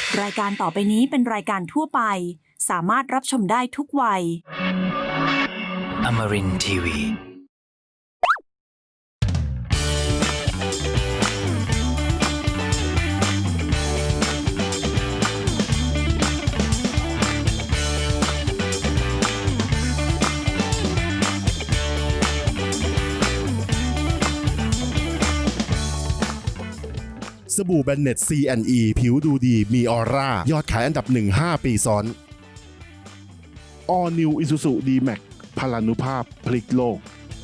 รายการต่อไปนี้เป็นรายการทั่วไปสามารถรับชมได้ทุกวัย Amarin Tiwi. สบู่แบนเน็ต C&E ผิวดูดีมีออร่ายอดขายอันดับ 1 5 ปีซ้อน All New Isuzu D-Max พลานุภาพพลิกโลก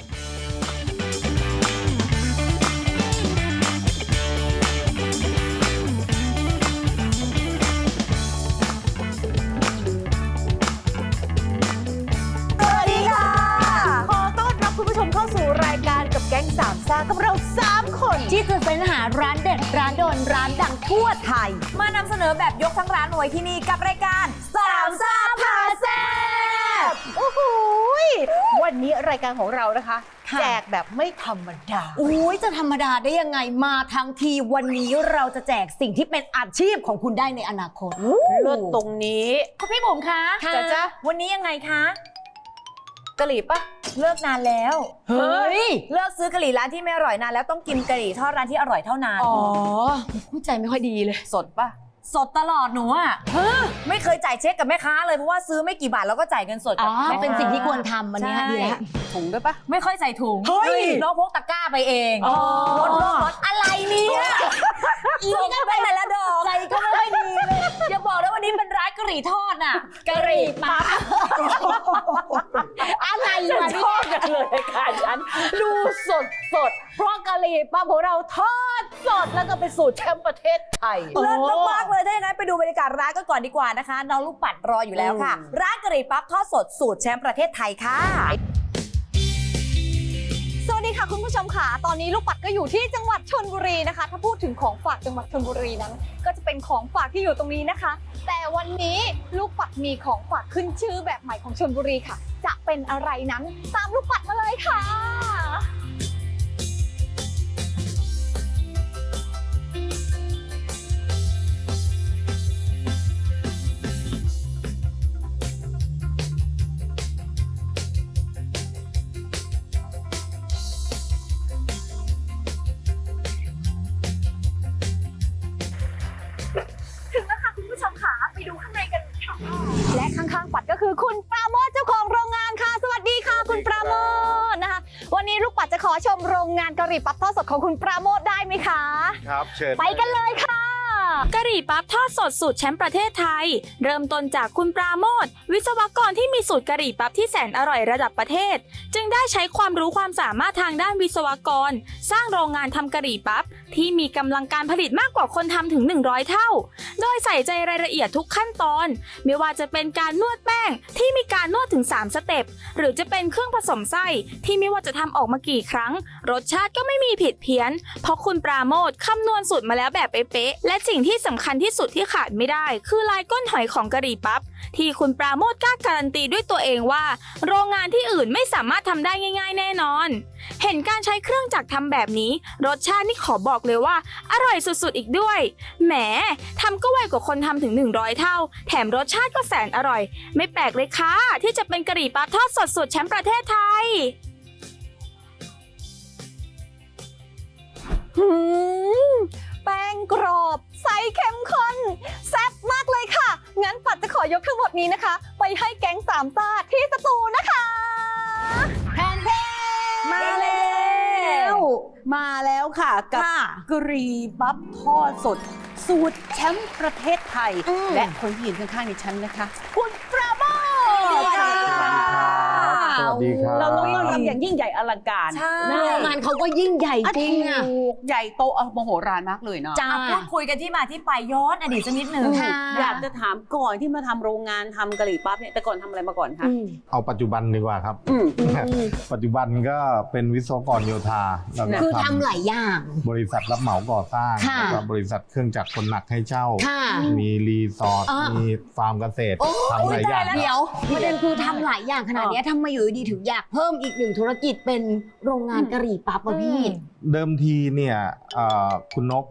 สวัสดีค่ะ ขอต้อนรับคุณผู้ชมเข้าสู่รายการกับแก๊งสามซ่ากับเรา3 คนที่จะเป็นหาร้านเด็ดร้านโดนร้านดังทั่วไทยมานำเสนอแบบยกทั้งร้านไว้ที่นี่กับรายการสามซ่าพาแซ่บโอ้โหวันนี้รายการของเรานะคะแจกแบบไม่ธรรมดาอุ้ยจะธรรมดาได้ยังไงมาทั้งทีวันนี้เราจะแจกสิ่งที่เป็นอาชีพของคุณได้ในอนาคตเลิศตรงนี้คุณพี่บุ๋มคะจ๊ะวันนี้ยังไงคะกะหรี่ปะเลิกนานแล้วเฮ้ยเลิกซื้อกะหรี่ร้านที่ไม่อร่อยนานแล้วต้องกินกะหรี่ทอดร้านที่อร่อยเท่านั้นอ๋อเข้าใจไม่ค่อยดีเลยสดปะสดตลอดหนูอ่ะไม่เคยจ่ายเช็คกับแม่ค้าเลยเพราะว่าซื้อไม่กี่บาทแล้วก็จ่ายเงินสดกับเป็นสิ่งที่ควรทำอันนี้ดีแล้วถุงด้วยปะไม่ค่อยใส่ถุงเฮ้ยน้องพกตะกร้าไปเองรถอะไรเนี่ยอีนี่ก็เป็นแต่ละดอกใจก็ไม่ค่อยดีเลยอย่าบอกนะวันนี้เป็นร้านกะหรี่ทอดน่ะกะหรี่ปั๊บอะไรมาชอบกันเลยค่ะฉันดูสดเพราะกะหรี่ปั๊บของเราทอดสดแล้วก็เป็นสูตรแชมป์ประเทศไทยเลิศมากๆเลยถ้าอย่างนั้นไปดูบรรยากาศร้านกันก่อนดีกว่านะคะน้องลูกปัดรออยู่แล้วค่ะร้านกะหรี่ปั๊บทอดสดสูตรแชมป์ประเทศไทยค่ะสวัสดีค่ะคุณผู้ชมค่ะตอนนี้ลูกปัดก็อยู่ที่จังหวัดชลบุรีนะคะถ้าพูดถึงของฝากจังหวัดชลบุรีนั้นก็จะเป็นของฝากที่อยู่ตรงนี้นะคะแต่วันนี้ลูกปัดมีของฝากขึ้นชื่อแบบใหม่ของชลบุรีค่ะจะเป็นอะไรนั้นตามลูกปัดมาเลยค่ะและข้างๆปัดก็คือคุณปราโมทเจ้าของโรงงานค่ะสวัสดีค่ะคุณปราโมทนะคะวันนี้ลูกปัดจะขอชมโรงงานกะหรี่ปั๊บทอดสดของคุณปราโมทได้ไหมคะครับเชิญไปกันเลยค่ะกะหรี่ปั๊บทอดสดสูตรแชมป์ประเทศไทยเริ่มต้นจากคุณปราโมทวิศวกรที่มีสูตรกะหรี่ปั๊บที่แสนอร่อยระดับประเทศจึงได้ใช้ความรู้ความสามารถทางด้านวิศวกรสร้างโรงงานทำกะหรี่ปั๊บที่มีกำลังการผลิตมากกว่าคนทำถึง100เท่าโดยใส่ใจรายละเอียดทุกขั้นตอนไม่ว่าจะเป็นการนวดแป้งที่มีการนวดถึง3สเต็ปหรือจะเป็นเครื่องผสมไส้ที่ไม่ว่าจะทำออกมากี่ครั้งรสชาติก็ไม่มีผิดเพี้ยนเพราะคุณปราโมทคำนวณสูตรมาแล้วแบบเป๊ะๆและสิ่งที่สำคัญที่สุดที่ขาดไม่ได้คือลายก้นหอยของกะหรี่ปั๊บที่คุณปราโมทกล้าการันตีด้วยตัวเองว่าโรงงานที่อื่นไม่สามารถทำได้ง่ายๆแน่นอนเห็นการใช้เครื่องจักรทำแบบนี้รสชาตินี่ขอบอกเลยว่าอร่อยสุดๆอีกด้วยแหมทำก็ไวกว่าคนทำถึง100เท่าแถมรสชาติก็แสนอร่อยไม่แปลกเลยค่ะที่จะเป็นกะหรี่ปั๊บทอดสดสูตรแชมป์ประเทศไทยแป้งกรอบใสเข้มข้นแซ่บมากเลยค่ะงั้นปัดจะขอยกทั้งหมดนี้นะคะไปให้แก๊งสามซ่าที่สตูนะคะแพนเทมาแล้วค่ะกับกะหรี่ปั๊บทอดสดสูตรแชมป์ประเทศไทยและคนที่ยืนข้างๆดิฉันนะคะคุณปราโมทสวัสดีครับเราต้องต้อนรับอย่างยิ่งใหญ่อลังการโรงงานเขาก็ยิ่งใหญ่จริงอ่ะใหญ่โตมโหฬารมากเลยเนาะพูดคุยกันที่มาที่ไปย้อนอดีตสักนิดนึงอยากจะถามก่อนที่มาทำโรงงานทำกะหรี่ปั๊บเนี่ยแต่ก่อนทำอะไรมาก่อนคะเอาปัจจุบันดีกว่าครับปัจจุบันก็เป็นวิศวกรโยธาแล้วก็คือทำหลายอย่างบริษัทรับเหมาก่อสร้างแล้วก็บริษัทเครื่องจักรคนหนักให้เช่ามีรีสอร์ทมีฟาร์มเกษตรทำหลายอย่างเดี๋ยวประเด็นคือทำหลายอย่างขนาดนี้ทำไมอยู่ดีถึงอยากเพิ่มอีกหนึ่งธุรกิจเป็นโรงงานกะหรี่ปั๊บอ่ะพี่เดิมทีเนี่ยคุณนก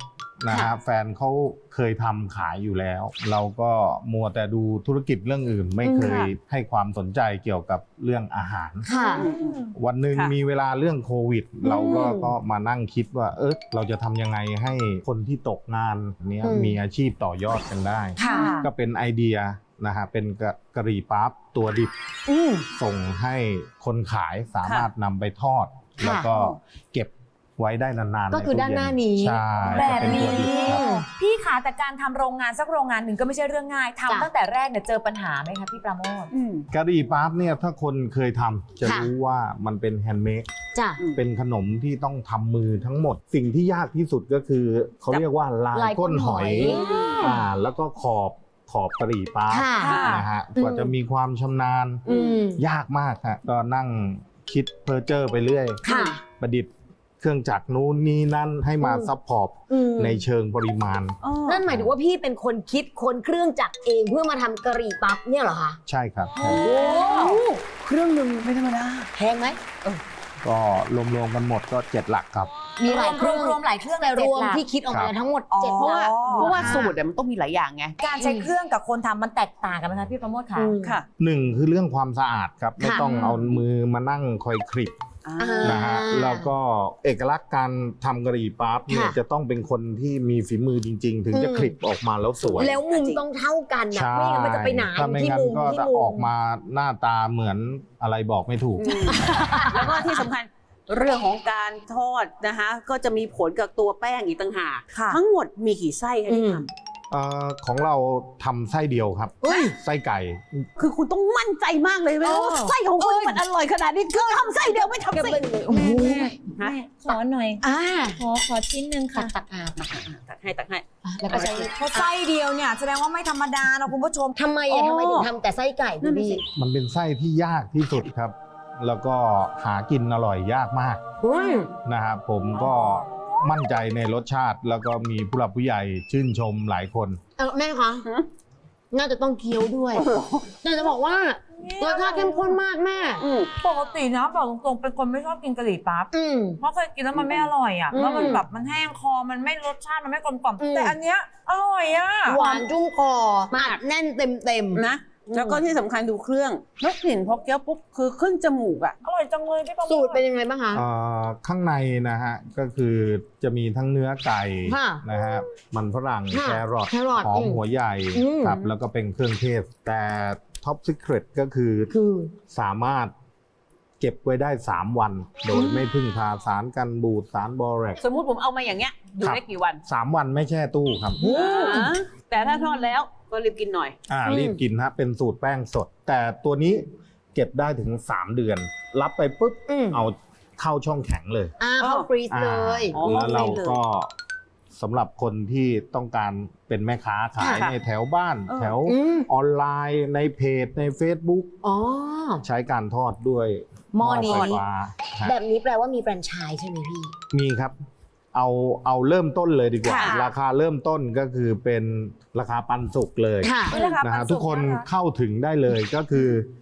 นะฮะแฟนเขาเคยทำขายอยู่แล้ว เราก็มัวแต่ดูธุรกิจเรื่องอื่น ไม่เคยให้ความสนใจเกี่ยวกับเรื่องอาหารค่ะวันหนึ่งมีเวลาเรื่องโควิด เราก็มานั่งคิดว่าเราจะทำยังไงให้คนที่ตกงานเนี้ยมีอาชีพต่อยอดกันได้ค่ะก็เป็นไอเดียนะฮะเป็นกะหรี่ปั๊บตัวดิบส่งให้คนขายสามารถนำไปทอด แล้วก็เก็บไว้ได้นานๆก็คือด้านหน้านี้ใช่แบบนี้ก็เป็นตัวดิบครับพี่ขาแต่การทำโรงงานสักโรงงานหนึ่งก็ไม่ใช่เรื่องง่ายจ้ะทำตั้งแต่แรกเนี่ยเจอปัญหาไหมคะพี่ปราโมทกะหรี่ปั๊บเนี่ยถ้าคนเคยทำจะรู้ว่ามันเป็นแฮนด์เมดจ้ะเป็นขนมที่ต้องทำมือทั้งหมด สิ่งที่ยากที่สุดก็คือเขาเรียกว่าลายก้นหอยแล้วก็ขอบกะหรี่ปั๊บค่ะนะฮะกว่าจะมีความชำนาญ ยากมากฮะก็นั่งคิดเพอร์เจอร์ไปเรื่อยค่ะประดิษฐ์เครื่องจักรนู้นนี่นั่นให้มาซัพพอร์ตในเชิงปริมาณนั่นหมายถึงว่าพี่เป็นคนคิดคนเครื่องจักรเองเพื่อมาทำกะหรี่ปั๊บเนี่ยเหรอคะใช่ครับโอ้เครื่องหนึ่งไม่ธรรมดาแพงไหมก็รวมๆกันหมดก็7 หลักครับมีหลายเครื่องรวมหลายเครื่องแต่รวม 7 หลักที่คิดออกมาทั้งหมดอ๋อเจ็ดเพราะว่าอ๋อเพราะว่าสูตรมันต้องมีหลายอย่างไงการใช้เครื่องกับคนทำมันแตกต่างกันไหมคะพี่ปราโมทคะค่ะหนึ่งคือเรื่องความสะอาดครับ ไม่ต้องเอามือมานั่งคอยคลิปนะฮะแล้วก็เอกลักษณ์การทำกะหรี่ปั๊บเนี่ยจะต้องเป็นคนที่มีฝีมือจริง ๆ ถึงจะคลิปออกมาแล้วสวยแล้วมุมต้องเท่ากันนะใช่ไม่งั้นมันจะไปหนาถ้าไม่ที่งั้นมุมก็ที่จะมุอมอกมาหน้าตาเหมือนอะไรบอกไม่ถูกแล้วก็ที่สำคัญเรื่องของการทอดนะคะก็จะมีผลกับตัวแป้งอีกต่างหากค่ะทั้งหมดมีกี่ไส้คะที่ทของเราทำไส้เดียวครับ ไส้ไก่ำคือคุณต้องมั่นใจมากเลยว่าไส้ของคุณมันอร่อยขนาดนี้คือทำไส้เดียวไม่ทำไส้แม่ขอหน่อย ขอชิ้นหนึ่งค่ะตักให้แล้วก็ใช้เพราะไส้เดียวเนี่ยแสดงว่าไม่ธรรมดานะคุณผู้ชมทำไมถึงทำแต่ไส้ไก่คุณพี่มันเป็นไส้ที่ยากที่สุดครับ แล้วก็หากินอร่อยยากมากนะครับผมก็มั่นใจในรสชาติ แล้วก็มีผู้หลักผู้ใหญ่ชื่นชมหลายคนแม่คะน่าจะต้องเคี้ยวด้วยแต่จะบอกว่ารสชาติเข้มข้นมากแม่ปกตินะบอกตรงๆเป็นคนไม่ชอบกินกะหรี่ปั๊บเพราะเคยกินแล้วมันไม่อร่อยอ่ะแล้วมันแบบมันแห้งคอมันไม่รสชาติมันไม่กลมกล่อมแต่อันเนี้ยอร่อยอ่ะหวานจุ้มคออัดแน่นเต็มนะแล้วก็ที่สำคัญดูเครื่องแล้วกลิ่นพอเคี้ยวปุ๊บคือขึ้นจมูกอ่ะอร่อยจังเลยพี่ปราโมทสูตรเป็นยังไงบ้างคะข้างในนะฮะก็คือจะมีทั้งเนื้อไก่ค่ะนะฮะมันฝรั่งค่ะแครอทแครอทหอมหัวใหญ่ ครับแล้วก็เป็นเครื่องเทศ แต่ท็อปซิเครตก็คือสามารถเก็บไว้ได้ 3 วัน โดยไม่พึ่งพาสารกันบูดสารบอแรกสมมุติผมเอามาอย่างเงี้ยอยู่ได้กี่วัน 3 วันไม่แช่ตู้ครับแต่ถ้าทอดแล้วก็รีบกินหน่อยรีบกินฮะเป็นสูตรแป้งสด แต่ตัวนี้เก็บได้ถึง 3 เดือน รับไปปุ๊บเอาเข้าช่องแข็งเลยเข้าฟรีซเลยแล้วเราก็สำหรับคนที่ต้องการเป็นแม่ค้าขายค่ะในแถวบ้าน แถวออนไลน์ในเพจใน Facebook ใช้การทอดด้วยหม้อนี้ไฟฟ้าฮะแบบนี้แปลว่ามีแฟรนไชส์ใช่ไหมพี่มีครับ เอาเริ่มต้นเลยดีกว่าค่ะราคาเริ่มต้นก็คือเป็นราคาปันสุกเลยค่ะนะฮะทุกคนเข้าถึงได้เลยก็คือ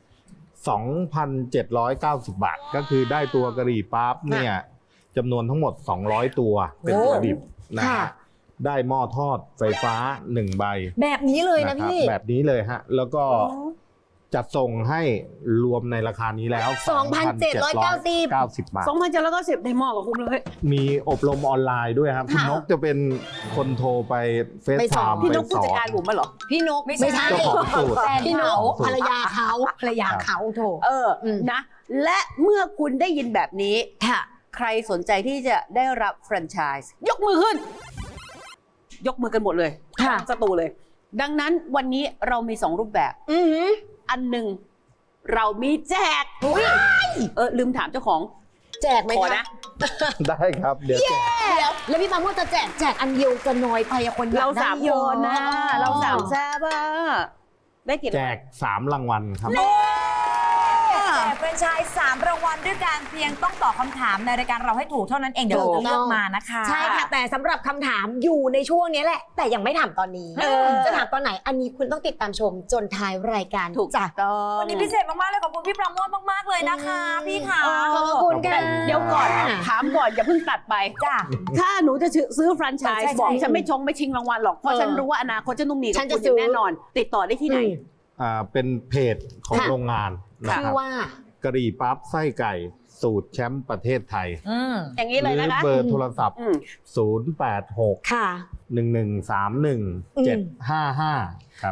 2,790 บาท ก็คือได้ตัวกะหรี่ปั๊บเนี่ยจำนวนทั้งหมด 200 ตัวเป็นตัวดิบนะฮะได้หม้อทอดไฟฟ้า 1 ใบแบบนี้เลยนะครับพี่แบบนี้เลยฮะ แล้วก็จัดส่งให้รวมในราคานี้แล้ว 2,790 บาท 2,790ได้หม้อกับคุ้มเลยมีอบรมออนไลน์ด้วยครับ คุณนกจะเป็นคนโทรไปเฟซไปไทสอนม์พี่นไปกผู้สอจัดการนผมมาเหรอพี่นกไม่ใช่เจ้าของสูตรพี่นกภรรยาเขาโถนะ และเมื่อคุณได้ยินแบบนี้ค่ะใครสนใจที่จะได้รับแฟรนไชส์ยกมือขึ้น ยกมือกันหมดเลยค่ะทั้งสตูเลย ดังนั้นวันนี้เรามี 2 รูปแบบ อันหนึ่งเรามีแจกลืมถามเจ้าของแจกไหมขอคะนะได้ครับ เดี๋ยวแจกแล้วพี่ปาโมดจะแจกอันเดียวจะน้อยไปอะคนอยกเราได้ 3 เยคอะนนะเรา3แซ่บอะได้กี่แจก3 รางวัลครับแจกแฟรนไชส์3รางวัลด้วยกันเพียงต้องตอบคำถามในรายการเราให้ถูกเท่านั้นเองเดี๋ยวเราจะเลือกมานะคะใช่ค่ะแต่สำหรับคำถามอยู่ในช่วงนี้แหละ แต่ยังไม่ถามตอนนี้จะถามตอนไหนอันนี้คุณต้องติดตามชมจนท้ายรายการถูกจ้ะต้องวันนี้พิเศษมากๆเลยขอบคุณพี่ปราโมทมากๆเลยนะคะพี่ค่ะขอบคุณค่ะเดี๋ยวก่อนถามก่อนอย่าเพิ่งตัดไปจ้ะถ้าหนูจะซื้อแฟรนไชใช่ส์ใช่บอกฉันไม่ชิงรางวัลหรอกเพราะฉันรู้ว่าอนาคตฉันต้องมีกับฉันคุจะณซื้อแน่นอน ติดต่อได้ที่ไหนเป็นเพจของค่ะโรงงานนะชื่คอรับว่ากะหรี่ปั๊บไส้ไก่สูตรแชมป์ประเทศไทยอย่างนี้หเลยรืนะคะเบอร์โทรศัพท์อืม 086 ค่ะ 1131 755 ครับ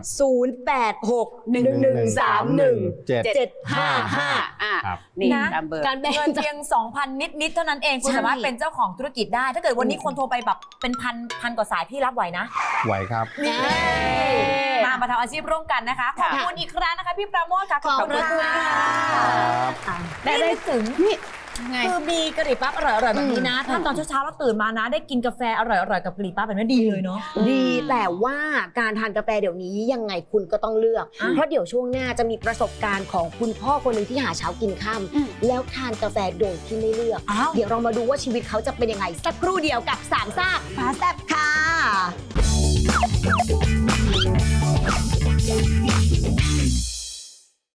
086-1131-755 ครับนี่นะตามเบอร์การแบ่งเงินเพียง 2,000 นิดๆเท่านั้นเองคุณใช่สามารถเป็นเจ้าของธุรกิจได้ ถ้าเกิดวันนี้คนโทรไปแบบเป็นพันกว่าสายพี่รับไหวนะไหวครับนี่มาทำอาชีพร่วมกันนะคะ ขอบคุณอีกครั้งนะคะพี่ปราโมทค่ะขอบคุณค่ะได้นึกถึงนี่ไงคือมีกะหรี่ปั๊บอร่อยๆแบบนี้นะ ถ้าตอนเช้าๆเราตื่นมานะ ได้กินกาแฟอร่อยๆกับกะหรี่ปั๊บแบบนี้ดีเลยเนาะดีแต่ว่าการทานกาแฟเดี๋ยวนี้ยังไงคุณก็ต้องเลือก เพราะเดี๋ยวช่วงหน้าจะมีประสบการณ์ของคุณพ่อคนหนึ่งที่หาเช้ากินค่อืมำแล้วทานกาแฟโดยที่ไม่เลือกอ้าวเดี๋ยวเรามาดูว่าชีวิตเขาจะเป็นยังไงสักครู่เดียวกับสามซ่าพาแซ่บค่ะ